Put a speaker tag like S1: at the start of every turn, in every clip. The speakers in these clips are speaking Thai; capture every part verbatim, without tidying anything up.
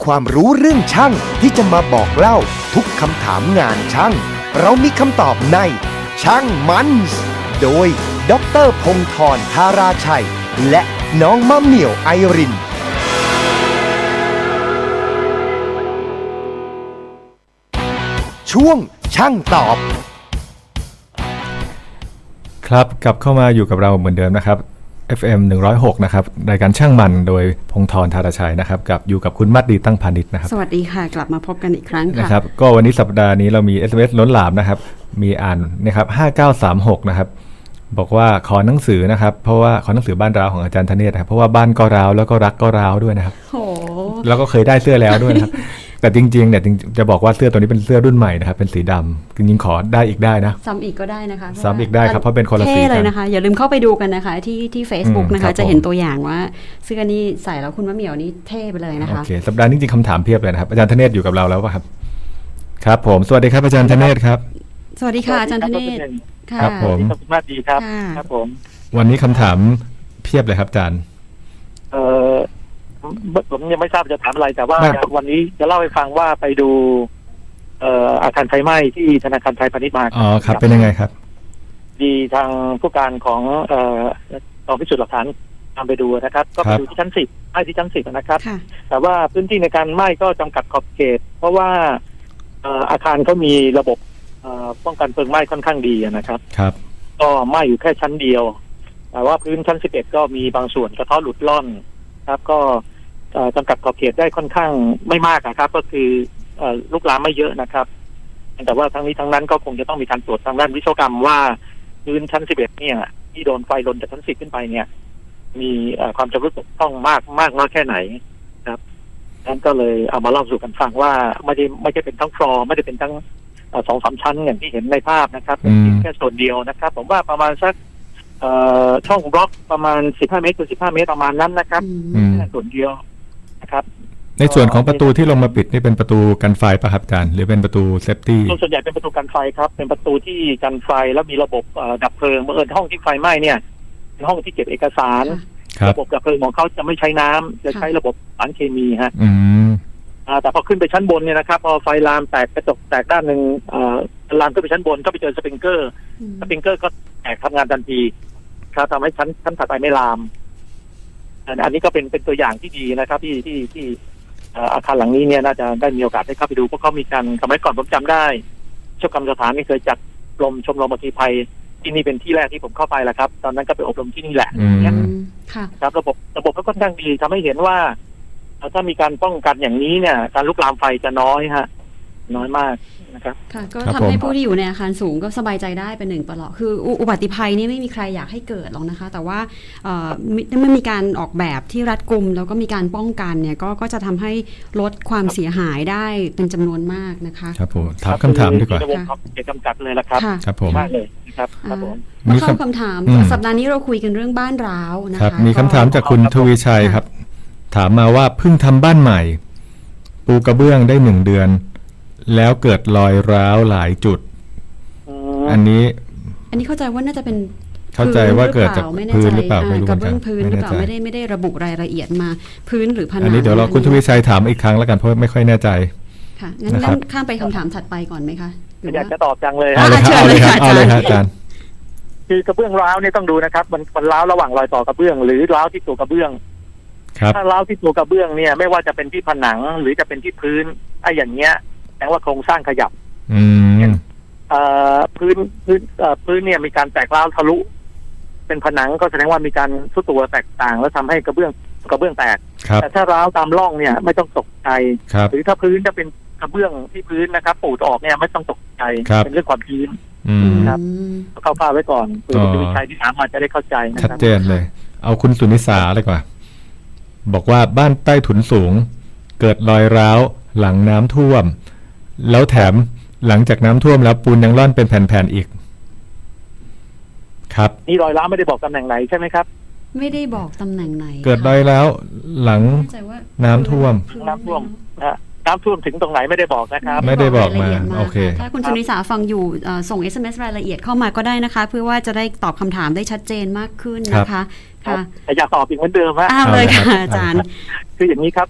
S1: ความรู้เรื่องช่างที่จะมาบอกเล่าทุกคำถามงานช่างเรามีคำตอบในช่างมันส์โดยดร.พงศ์ธร ธาราชัยและน้องมะเหมี่ยวไอรินช่วงช่างตอบ
S2: ครับกลับเข้ามาอยู่กับเราเหมือนเดิมนะครับ เอฟ เอ็ม หนึ่งร้อยหกนะครับรายการช่างมันโดยพงศ์ธร ธาราชัยนะครับกับอยู่กับคุณมัดดีตั้งพานิชนะครับ
S3: สวัสดีค่ะกลับมาพบกันอีกครั้งค่ะ
S2: นะครับก็วันนี้สัปดาห์นี้เรามี เอส เอ็ม เอส ล้นหลามนะครับมีอ่านนะครับห้าเก้าสามหกนะครับบอกว่าขอหนังสือนะครับเพราะว่าขอหนังสือบ้านร้าวของอาจารย์ธเนศนะครับเพราะว่าบ้านก็ร้าวแล้วก็รักก็ร้าวด้วยนะครับ
S3: โอ้
S2: แล้วก็เคยได้เสื้อแล้วด้วยนะครับแต่จริงๆเนี่ยจะบอกว่าเสื้อตัวนี้เป็นเสื้อรุ่นใหม่นะครับเป็นสีดำจริงๆขอได้อีกได้นะ
S3: ซ้ำอีกก็ได้นะคะ
S2: ซ้ำอีกได้ครับเพราะเป็นคนละสี
S3: เท่เลยนะคะอย่าลืมเข้าไปดูกันนะคะที่ที่ Facebook นะคะจะเห็นตัวอย่างว่าเสื้อนี้ใส่แล้วคุณมะเหมี่ยวนี่เท่ไปเลยนะคะ
S2: โอเคสัปดาห์นี้จริงๆคำถามเพียบเลยนะครับอาจารย์ธเนศอยู่กับเราแล้วป่ะครับครับผมสวัสดีครับอาจารย์ธเนศครับ
S3: สวัสดีค่ะอาจารย์ธเนศ
S2: ครับผม
S4: ขอบคุณมากดีครับครับผม
S2: วันนี้คำถามเพียบเลยครับอาจารย์
S4: เออผมยังไม่ทราบจะถามอะไรแต่ว่าวันนี้จะเล่าให้ฟังว่าไปดูเอ่ออาคารไฟไหม้ที่ธนาคารไทยพาณิชย์มา
S2: อ๋อครับเป็นยังไงครับ
S4: ดีทางผู้การของเอ่อกองพิสูจน์หลักฐานตามไปดูนะครับก็ไปดูที่ชั้นสิบไหม้ที่ชั้นสิบนะครับแต่ว่าพื้นที่ในการไหม้ก็จำกัดขอบเขตเพราะว่าอาคารเขามีระบบป้องกันเพลิงไหม้ค่อนข้างดีนะครับ
S2: ครับ
S4: ก็ไหม้อยู่แค่ชั้นเดียวแต่ว่าพื้นชั้นสิบเอ็ดก็มีบางส่วนกระเทาะหลุดล่อนครับก็จำกัดขอบเขตได้ค่อนข้างไม่มากนะครับก็คือลุกลามไม่เยอะนะครับแต่ว่าทั้งนี้ทั้งนั้นก็คงจะต้องมีการตรวจทางด้านวิศวกรรมว่าพื้นชั้นสิบเอ็ดเนี่ยที่โดนไฟลนจากชั้นสิบขึ้นไปเนี่ยมีความชำรุดบกพร่องมากมากน้อยแค่ไหนครับนั้นก็เลยเอามาเล่าสู่กันฟังว่าไม่ได้ไม่ได้เป็นทั้งฟลอร์ไม่ได้เป็นทั้งสองสามชั้นอย่างที่เห็นในภาพนะครับเป็นแค่ส่วนเดียวนะครับผมว่าประมาณสักช่องบล็อกประมาณสิบห้าเมตรคูณสิบห้าเมตรประมาณนั้นนะครับแค่ส่วนเดียวนะครับ
S2: ในส่วนของประตูที่ลงมาปิดนี่เป็นประตูกันไฟป่ะครับอาจารย์หรือเป็นประตูเซฟตี้
S4: ส่วนใหญ่เป็นประตูกันไฟครับเป็นประตูที่กันไฟแล้วมีระบบดับเพลิงเมื่อเอิญห้องที่ไฟไหม้เนี่ยเป็นห้องที่เก็บเอกสารระบบดับเพลิงของเขาจะไม่ใช้น้ำจะใช้ระบบสารเคมีฮะแต่พอขึ้นไปชั้นบนเนี่ยนะครับพอไฟลามแตกกระจกแตกด้านหนึ่งลามขึ้นไปชั้นบนก็ไปเจอสปริงเกอร์สปริงเกอร์ก็แตกทำงานทันทีครับทำให้ชั้นชั้นถัดไปไม่ลามอันนี้ก็เป็นเป็นตัวอย่างที่ดีนะครับที่ที่ที่อาคารหลังนี้เนี่ยน่าจะได้มีโอกาสได้เข้าไปดูเพราะเขามีการสมัยก่อนผมจำได้เจ้ากรรมสถานนี่เคยจัดกรมชมรมอัคคีภัยที่นี่เป็นที่แรกที่ผมเข้าไปแหละครับตอนนั้นก็ไปอบรมที่นี่แหละครับระบบระบบก็ค่อนข้างดีทำให้เห็นว่าถ้ามีการป้องกันอย่างนี้เนี่ยการลุกลามไฟจะน้อยฮะน้อยมากนะครับ
S3: ค่ะก็ทำให้ผู้ที่อยู่ในอาคารสูงก็สบายใจได้เป็นหนึ่งประหลาดคืออุบัติภัยนี่ไม่มีใครอยากให้เกิดหรอกนะคะแต่ว่าเมื่อมีการออกแบบที่รัดกุมแล้วก็มีการป้องกันเนี่ยก็ก็จะทำให้ลดความเสียหายได้เป็นจำนวนมากนะคะ
S2: ครับผมถามคำถามดีกว่า
S4: เกิดจำกัดเลยละครับ
S2: ครับผม
S4: มากเลยนะครับครับผม
S3: มีคำถามสัปดาห์นี้เราคุยกันเรื่องบ้านร้าวนะคะ
S2: มีคำถามจากคุณทวีชัยครับถามมาว่าเพิ่งทำบ้านใหม่ปูกระเบื้องได้หนึ่งเดือนแล้วเกิดรอยร้าวหลายจุดอันนี้
S3: อันนี้เข้าใจว่าน่าจะเป็น
S2: เข้าใจว่าเกิดจากพื้นหรือเปล่าไม่รู้
S3: กระเบื้องพื้นหรือเปล่าไม่ได้ไม่ได้ระบุรายละเอียดมาพื้นหรือผนัง
S2: อันนี้เดี๋ยวเราคุณทวีชัยถามอีกครั้งแล้วกันเพราะไม่ค่อยแน่ใจ
S3: ค่ะงั้นข้ามไปคำถามถัดไปก่อนไหมคะ
S4: อยากจะตอบจังเลย
S2: เอาเลยครับเอาเลยครับเอาเลยครับอาจารย์
S4: คือกระเบื้องร้าวเนี่ยต้องดูนะครับมันมันร้าวระหว่างรอยต่อกระเบื้องหรือร้าวที่ตัวกระเบื้องถ้าร้าวที่ตัวกระเบื้องเนี่ยไม่ว่าจะเป็นที่ผนังหรือจะเป็นที่พื้นไอ้อย่างเงี้ยแปลว่าโครงสร้างขยับพื้นพื้นพื้นเนี่ยมีการแตกร้าวทะลุเป็นผนังก็แสดงว่ามีการทรุดตัวแตกต่างแล้วทำให้กระเบื้องกระเบื้องแตกแต่ถ้าร้าวตามร่องเนี่ยไม่ต้องตกใจหรือถ้าพื้นจะเป็นกระเบื้องที่พื้นนะครับปูดออกเนี่ยไม่ต้องตกใจเป็นเรื่องความชื้นครับเข้าฟ้าไว้ก่อนเพื่อจะมีใครที่ถามมาจะได้เข้าใจนะครับ
S2: ชัดเจนเลยเอาคุณสุนิสาเลยกว่าบอกว่าบ้านใต้ถุนสูงเกิดรอยร้าวหลังน้ำท่วมแล้วแถมหลังจากน้ำท่วมแล้วปูนยังร่อนเป็นแผ่นๆอีกครับ
S4: นี่รอยร้าวไม่ได้บอกตำแหน่งไหนใช่ไหมครับ
S3: ไม่ได้บอกตำแหน่งไหน
S2: เกิดรอยร้าวหลังน้ำท่วม
S4: น้ำท่วมนะน้ำท่วมถึงตรงไหนไม่ได้บอกนะครับ
S2: ไม่ได้บอกมาโอเค
S3: ถ้าคุณสุนิสาฟังอยู่ส่ง เอส เอ็ม เอส รายละเอียดเข้ามาก็ได้นะคะเพื่อว่าจะได้ตอบคำถามได้ชัดเจนมากขึ้นนะคะ
S4: ค่ะอยากตอบอีกเหมือนเดิมฮะ
S3: อ้าวเลยค่ะอาจารย์
S4: คืออย่างนี้ครับถ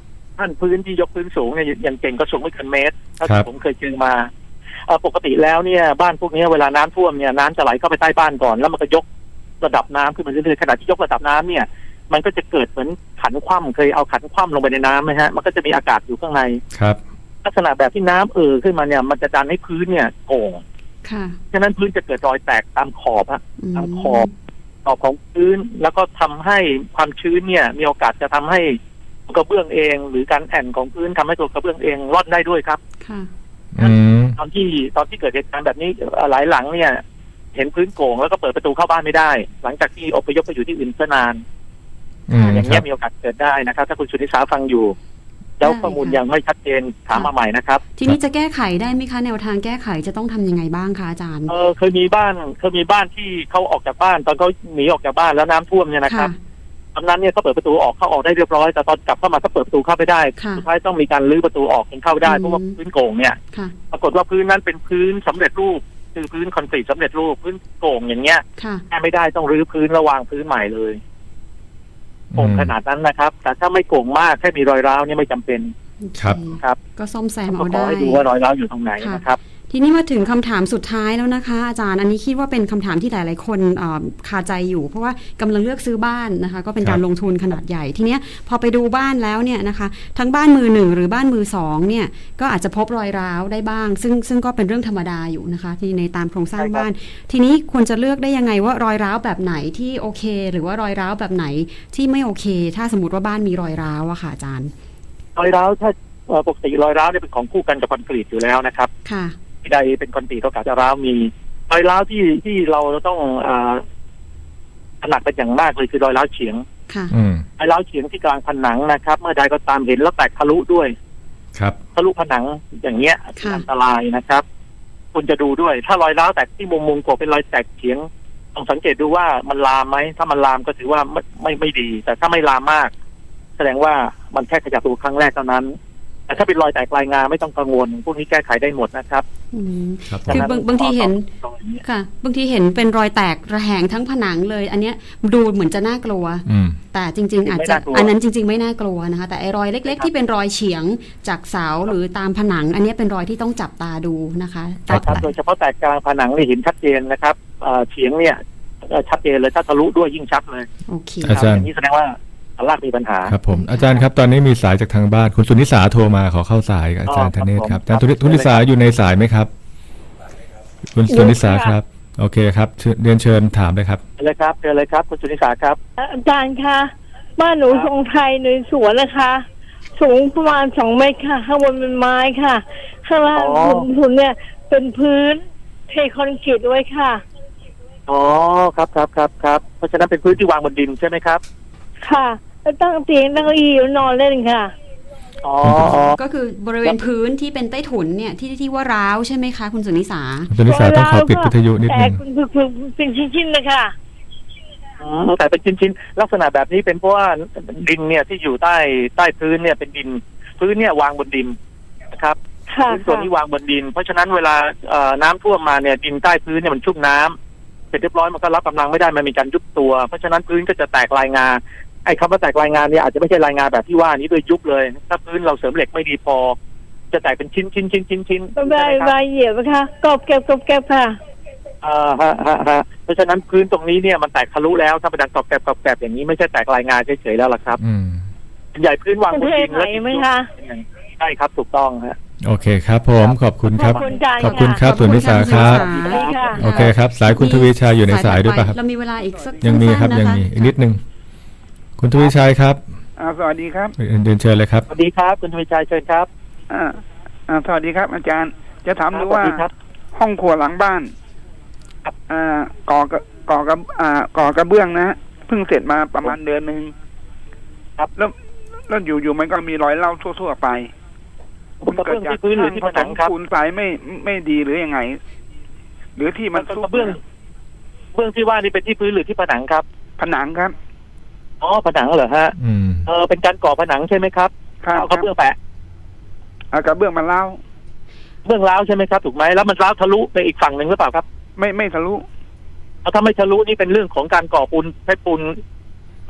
S4: ขั้นพื้นที่ยกพื้นสูงเนี่ยอย่างเก่งก็สูงไม่เกินเมตรถ้า
S2: ครับ
S4: ผมเคยเจอมาเอ่อปกติแล้วเนี่ยบ้านพวกนี้เวลาน้ำท่วมเนี่ยน้ำจะไหลเข้าไปใต้บ้านก่อนแล้วมันก็ยกระดับน้ำขึ้นมาเรื่อยๆขณะที่ยกระดับน้ำเนี่ยมันก็จะเกิดเหมือนขันคว่ำเคยเอาขันคว่ำลงไปในน้ำไหมฮะมันก็จะมีอากาศอยู่ข้างใน
S2: ครับ
S4: ลักษณะแบบที่น้ำเอ่อขึ้นมาเนี่ยมันจะดันให้พื้นเนี่ยโก่ง
S3: ค่ะ
S4: ฉะนั้นพื้นจะเกิดรอยแตกตามขอบฮะ
S3: ม
S4: ตามขอบขอบของพื้นแล้วก็ทำให้ความชื้นเนี่ยมีโอกาสจะทำให้กระเบื้องเอง หรือการแอนของพื้นทำให้ตัวกระเบื้องเองร่อนได้ด้วยครับ
S3: ค่ะ
S2: อืม
S4: ตอนที่ตอนที่เกิดเหตุการณ์แบบนี้เอ่อหลายหลังเนี่ย เห็นพื้นโก่งแล้วก็เปิดประตูเข้าบ้านไม่ได้ หลังจากที่อพยพไปอยู่ที่อื่นเพื่อนาน
S2: อืม
S4: อย่าง
S2: ค
S4: เงี้
S2: รั
S4: ย
S2: บ
S4: มีโอกาสเกิดได้นะครับ ถ้าคุณสุนิสาฟังอยู่ แล้ว
S3: ได้
S4: ข้อมูล
S3: ค่ะ
S4: ยังไม่ชัดเจนถามมาใหม่นะครับ
S3: ทีนี้จะแก้ไขได้ไหมคะแนวทางแก้ไขจะต้องทำยังไงบ้างคะอาจารย์
S4: เออเคยมีบ้านเคยมีบ้านที่เขาออกจากบ้าน ตอนเขาหนีออกจากบ้านแล้วน้ำท่วมเนี่ยนะครับ ตอนนั้นเนี่ยเขาเปิดประตูออกเข้าออกได้เรียบร้อยแต่ตอนกลับเข้ามาก็เปิดประตูเข้าไม่ได้
S3: ค่ะ
S4: สุดท้ายต้องมีการรื้อประตูออกจนเข้าไม่ได้
S3: อืม
S4: เพราะว่าพื้นโก่งเนี่ย
S3: ค่ะ
S4: ปรากฏว่าพื้นนั้นเป็นพื้นสำเร็จรูปคือพื้นคอนกรีตสำเร็จรูปพื้นโก่งอย่างเงี้ย
S3: ค่ะ
S4: แก้ไม่ได้ต้องรื้อพื้นระวางพื้นใหม่เลยโก่งขนาดนั้นนะครับ แต่ถ้าไม่โก่งมากแค่มีรอยร้าวเนี่ยไม่จำเป็น
S2: ครับ
S3: โอเ
S4: ครับ
S3: ก็ซ่อมแซม
S4: ก็
S3: เอา
S4: ขอ
S3: ได้
S4: ให้ดูว่ารอยร้าวอยู่ตรงไหน
S3: ค่ะ
S4: นะครับ
S3: ทีนี้มาถึงคำถามสุดท้ายแล้วนะคะ อาจารย์อันนี้คิดว่าเป็นคำถามที่หลาย ๆ คนเอ่อคาใจอยู่ เพราะว่ากำลังเลือกซื้อบ้านนะคะ ก็เป็นการ
S2: ครับ
S3: ลงทุนขนาดใหญ่ ทีเนี้ยพอไปดูบ้านแล้วเนี่ยนะคะ ทั้งบ้านมือหนึ่งหรือบ้านมือสองเนี่ยก็อาจจะพบรอยร้าวได้บ้าง ซึ่งซึ่งก็เป็นเรื่องธรรมดาอยู่นะคะ ที่ในตามโครงสร้าง
S4: ใช่ครับ
S3: บ้าน ทีนี้ควรจะเลือกได้ยังไงว่ารอยร้าวแบบไหนที่โอเค หรือว่ารอยร้าวแบบไหนที่ไม่โอเค ถ้าสมมติว่าบ้านมีรอยร้าวอะค่ะอาจารย์
S4: รอยร้าวถ้าเอ่อปกติรอยร้าวเนี่ยเป็นของคู่กันกับคอนกรีตอยู่แล้วนะครับ
S3: ค่ะ
S4: ที่ใดเป็นคอนกรีตโอกาสจะร้าวมีรอยร้าวที่ที่เราต้องอ่าถนัดเป็นอย่างมากเลยคือรอยร้าวเฉียง
S3: ค่ะ
S2: อืม
S4: รอยร้าวเฉียงที่กลางผนังนะครับ เมื่อใดก็ตามเห็นแล้วแตกทะลุด้วย
S2: ครับ
S4: ทะลุผนังอย่างเงี้ย
S3: ค่ะ
S4: อันตรายนะครับคุณจะดูด้วย ถ้ารอยร้าวแตกที่มุมมุมกว่าเป็นรอยแตกเฉียงต้องสังเกตดูว่ามันลามไหมถ้ามันลามก็ถือว่าไม่ไม่ไม่ดี แต่ถ้าไม่ลามมาก แสดงว่ามันแค่ขยับตัวครั้งแรกเท่านั้น แต่ถ้าเป็นรอยแตกลายงาไม่ต้องกังวลพวกนี้แก้ไขได้หมดนะครับ
S3: อืม
S2: ครับผ
S3: คื
S2: ม
S3: อบางบางทีเห็น
S4: ตรงนี้
S3: ค่ะ บางทีเห็นเป็นรอยแตกระแหงทั้งผนังเลย อันเนี้ยดูเหมือนจะน่ากลัว
S2: อืม
S3: แต่จริง ๆ อาจจะอันนั้นจริง ๆ ไม่น่ากลัวนะคะ แต่ไอ้รอยเล็ก ๆ ที่เป็นรอยเฉียงจากเสาหรือตามผนัง อันเนี้ยเป็นรอยที่ต้องจับตาดูนะคะ
S2: ครั
S4: ครับ
S3: แต่
S4: โดยเฉพาะแตกกลางผนังนี่เห็นชัดเจนนะครับเอ่อเฉียงเนี่ยเอ่อชัดเจนเลยถ้าทะลุด้วยยิ่งชัดเลย
S3: โอเค
S2: อาจารย์
S4: ย่างนี้แสดงว่าอันลากมีปัญหา
S2: ครับผมอาจารย์ครับตอนนี้มีสายจากทางบ้านคุณสุนิสาโทรมาขอเข้าสายกับอาจารย์ธเนศครับอาจารย์ทุนิสาอยู่ในสายไหมครับ คุณสุนิสาครับ โอเคครับเชิญเรียนเชิญถามเลยครับ
S4: เชิญเลยครับเชิญเลยครับคุณสุนิสาครับ
S5: อาจารย์คะบ้านหนู
S4: ครับ
S5: ทรงไทยในสวนนะคะ สูงประมาณสองเมตรค่ะ ข้างบนเป็นไม้ค่ะ ข้างล่างถุนถุนเนี่ย เป็นพื้นเทคอนกรีตไว้ค่ะ
S4: อ๋อครับครับครับครับเพราะฉะนั้นเป็นพื้นที่วางบนดินใช่ไหมครับ
S5: ค่ะ แล้วตั้งเตียงตั้งเก้าอี้แล้วนอนเล่นค่ะ
S4: อ๋ออ๋อ
S3: ก็คือบริเวณพื้นที่เป็นใต้ถุนเนี่ยที่ที่ว่าร้าวใช่ไหมคะคุณสุนิสา
S2: คุณสุนิสาต้องขอปิดวิทยุนิด
S5: แต่
S2: นึง
S5: คุณคือคือเป็นชิ้นๆนะคะ
S4: อืมแต่เป็นชิ้นๆลักษณะแบบนี้เป็นเพราะว่าดินเนี่ยที่อยู่ใต้ใต้พื้นเนี่ยเป็นดิน พื้นเนี่ยวางบนดินนะครับ
S5: ค่ะ
S4: พื้นส่วนนี้วางบนดิน เพราะฉะนั้นเวลาเอ่อน้ำท่วมมาเนี่ยดินใต้พื้นเนี่ยมันชุ่มน้ำเสร็จเรียบร้อยมันก็รับกำลังไม่ได้มันมีการยุบตัว เพราะฉะนั้นพื้นก็จะแตกลายงาไอ้คำว่าแตกลายงานเนี่ยอาจจะไม่ใช่รายงานแบบที่ว่านี้โดยยุบเลย ถ้าพื้นเราเสริมเหล็กไม่ดีพอ จะแตกเป็นชิ้นชิ้นชิ้นชิ้นชิ้น
S5: ใบ
S4: ใช่ไหมครับ
S5: ใบเหยียบนะคะกรอบแก็บกรอบแก็บค่ะ
S4: อ่าฮะฮะฮะเพราะฉะนั้นพื้นตรงนี้เนี่ยมันแตกทะลุแล้วถ้าเป็นดังกรอบแกรบกรอบแกรบอย่างนี้ไม่ใช่แตกลายงานเฉยๆแล้วล่ะครับ
S2: อืม
S4: ส่วนใหญ่พื้นวางบนดิน
S5: เป็นเทไหมไหมคะ
S4: ใช่ครับถูกต้องฮะ
S2: โอเคครับผมขอบคุณครับ
S5: ขอบคุณอาจารย์
S2: ขอบคุณ
S5: ค่ะ
S2: ครับสุนิสาครับ
S3: ขอบคุณ
S5: ดีค่ะ
S2: โอเคครับ สายคุณทวีชัยอยู่ในสายด้วยป่ะครับ
S3: เรามีเวลาอีกสัก
S2: ยังมีครับ
S3: สั้นๆ
S2: ยัง
S3: นะคะ
S2: มีอีกนิดนึงคุณทวีชัยครับ
S6: อ่าสวัสดีครับ
S2: เรียนเชิญเลยครับ
S4: สวัสดีครับคุณทวีชัยเชิญครับ
S6: อ่าอ่าสวัสดีครับ อาจารย์ จะถามดูว่า
S4: สวัสดีครับ
S6: ห้องครัวหลังบ้าน
S4: ครับ
S6: อ่าก่อกระก่อกระอ่าก่อกระเบื้องนะฮะเพิ่งเสร็จมาประมาณเดือนหนึ่ง
S4: ครับ
S6: แล้วแล้วอยู่อยู่มันก็มีรอยเล่าทั่วๆไป
S4: กระเบื้องที่พื้นหรือที่ผนังครับ
S6: คูณสายไม่ไม่ดีหรือยังไง หรือที่มัน
S4: กระเบื้องกระเบื้องที่ว่านี่เป็นที่พื้นหรือที่ผนังครับ
S6: ผนังครับ
S4: อ๋อผนังเหรอฮะ
S2: อืม
S4: เออเป็นการก่อผนังใช่ไหมครับ
S6: ครับ
S4: เอากระเบื้องแปะ
S6: อ่ากระเบื้องมันเล่า
S4: เบื้องร้าวใช่ไหมครับถูกไหมแล้วมันร้าวทะลุไปอีกฝั่งหนึ่งหรือเปล่าครับ
S6: ไม่ไม่ทะลุ
S4: เอาถ้าไม่ทะลุนี่เป็นเรื่องของการก่อปูนใช้ปูนเ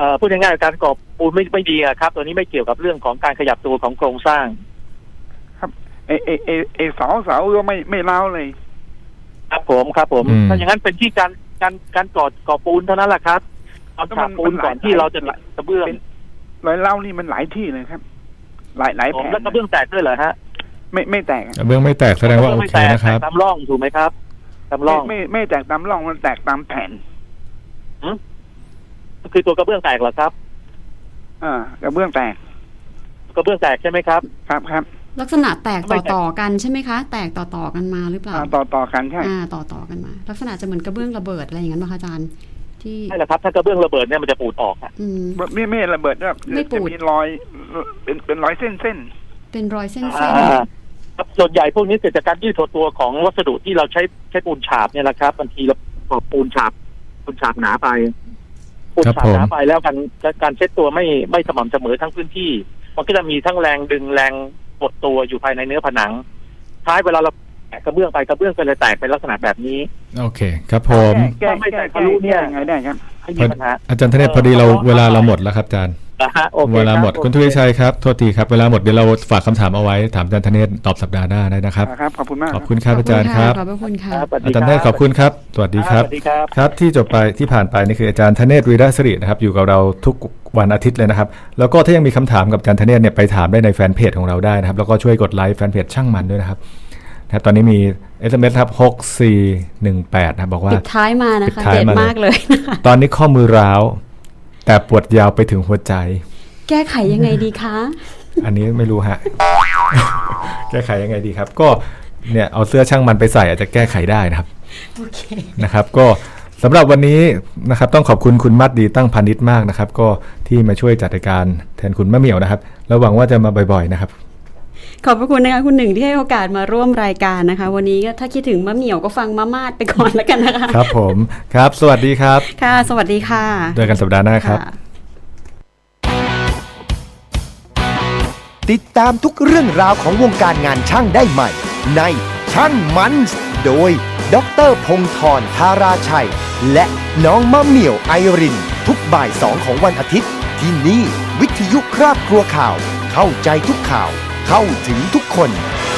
S4: อ่อพูดง่ายๆการก่อปูนไม่ไม่ดีอะครับตัวนี้ไม่เกี่ยวกับเรื่องของการขยับตัวของโครงสร้าง
S6: เอเอเอเอเสาเสาก็ไม่ไม่เล้าวเลย
S4: ครับผมครับผม
S2: อืม
S4: ถ้าอย่างนั้นเป็นที่การการการก่อก่อปูนเท่านั้นแหละครับเอาฉาบปูนก่อนที่เราจะติดกระเบื้อง
S6: รอยเล้าวนี่มันหลายที่เลยครับ หลายหลาย
S4: ผ
S6: แผม น
S4: แล้วกระเบื้องแตกด้วยเหรอฮะ
S6: ไม่ไม่แตกอะ
S2: กระเบื้องไม่แตกแสดงว่าโอ
S4: ไม่
S2: เค
S4: แตก
S2: นะครับ
S4: แตกตามร่องถูกไหมครับตามร่
S6: ไม่
S4: อง
S6: ไม่ไม่แตกตามร่องมันแตกตามแผ่น
S4: คือตัวกระเบื้องแตกเหรอครับ
S6: อ่ากระเบื้องแตก
S4: กระเบื้องแตกใช่ไหมครับ
S6: ครับครับ
S3: ลักษณะแตกต่อต่อๆกันใช่ไหมคะ แตกต่อต่อๆกันมาหรือเปล่า
S6: อ่าต่อต่อกันใช่
S3: อ่าต่อต่อๆกันมา ลักษณะจะเหมือนกระเบื้องระเบิดอะไรอย่างนั้นป่ะคะอาจารย์ที่
S4: ใช่แหละครับถ้ากระเบื้องระเบิดเนี่ยมันจะปูดออกอะ
S3: อืม
S6: ไม่ไม่ระเบิดครับ
S3: ไม่ปูด
S6: จะมีรอยเป็นเป็นรอยเส้นเส้น
S3: เป็นรอยเส้น
S4: อ่าครับส่วนใหญ่พวกนี้เกิดจากการยืดถดตัวของวัสดุที่เราใช้ใช้ปูนฉาบเนี่ยแหละครับบางทีเราก่อปูนฉาบปูนฉาบหนาไปปูน
S2: ครับ
S4: ฉาบ
S2: ผม
S4: หนาไปแล้วการการเช็ดตัวไม่ไม่สม่ำเสมอทั้งพื้นที่มันก็จะมีทั้งแรงดึงแรงกดตัวอยู่ภายในเนื้อผนังท้ายเวลาเราแตะกระเบื้องไปกระเบื้องก็เลยแตกเป็นลักษณะแบบนี้
S2: โอเคครับผม
S6: แก้
S4: ถ้าไม่
S6: แก้
S4: แตก
S6: แก้
S4: ทะลุเนี่ย
S6: แก้ยังไงได้ครับ
S4: ให้มีปัญหา
S2: อาจารย์ธเนศพอดีเราเวลาเราหมดแล้วครับอาจารย์
S4: นะฮะโอเค
S2: เวลาหมด
S4: รับ
S2: คุณทุเรชัยครับโทษทีครับเวลาหมดเดี๋ยวเราฝากคำถามเอาไว้ถามอาจารย์ธเนศตอบสัปดาห์หน้าได้นะครับ
S6: ครับขอบคุณมาก
S2: ขอบคุณครับอาจารย์ครับ
S3: ขอบพระคุณค่ะ
S4: ครับสวัส
S2: อา
S4: ดี
S2: จารย์ธเนศขอบคุณครับ สวัสดีครับ
S4: สวัสดีครับ
S2: ครับที่จบไปที่ผ่านไปนี่คืออาจารย์ธเนศวีระศิรินะครับอยู่กับเราทุกวันอาทิตย์เลยนะครับแล้วก็ถ้ายังมีคำถามกับอาจารย์ธเนศเนี่ยไปถามได้ในแฟนเพจของเราได้นะครับแล้วก็ช่วยกดไลค์แฟนเพจช่างมันด้วยนะครับนะครับตอนนี้มี เอส เอ็ม เอส ครับหกสี่หนึ่งแปดนะครับบอกว่า
S3: ปิดท้ายมานะ
S2: ปิ
S3: คะ
S2: ดท้าย
S3: เด็ด
S2: มาเลย
S3: มากเลยนะคะ
S2: ตอนนี้ข้อมือร้าวแต่ปวดยาวไปถึงหัวใจ
S3: แก้ไขยังไงดีคะ
S2: อันนี้ไม่รู้ฮะ แก้ไขยังไงดีครับ ก็เนี่ยเอาเสื้อช่างมันไปใส่อาจจะแก้ไขได้นะครับ
S3: โอเค
S2: นะครับ ก็สำหรับวันนี้นะครับต้องขอบคุณคุณมัดดีตั้งพาณิชย์มากนะครับ ก็ที่มาช่วยจัดรายการแทนคุณมะเหมี่ยวนะครับแล้วหวังว่าจะมาบ่อยๆนะครับ
S3: ขอบพระคุณนะคะคุณหนึ่งที่ให้โอกาสมาร่วมรายการนะคะ วันนี้ก็ถ้าคิดถึงมะเหมี่ยวก็ฟังมะมาดไปก่อนแล้วกันนะคะ
S2: ครับผมครับ สวัสดีครับ
S3: ค่ะ สวัสดีค่ะ
S2: เจอกันสัปดาห์หน้าครับ
S3: ค่ะ
S1: ติดตามทุกเรื่องราวของวงการงานช่างได้ใหม่ ในช่างมันส์โดยดรพงธรธาราชัย และน้องมะเหมี่ยวไอริน ทุกบ่ายสองของวันอาทิตย์ ที่นี่วิทยุครอบครัวข่าว เข้าใจทุกข่าว เข้าถึงทุกคน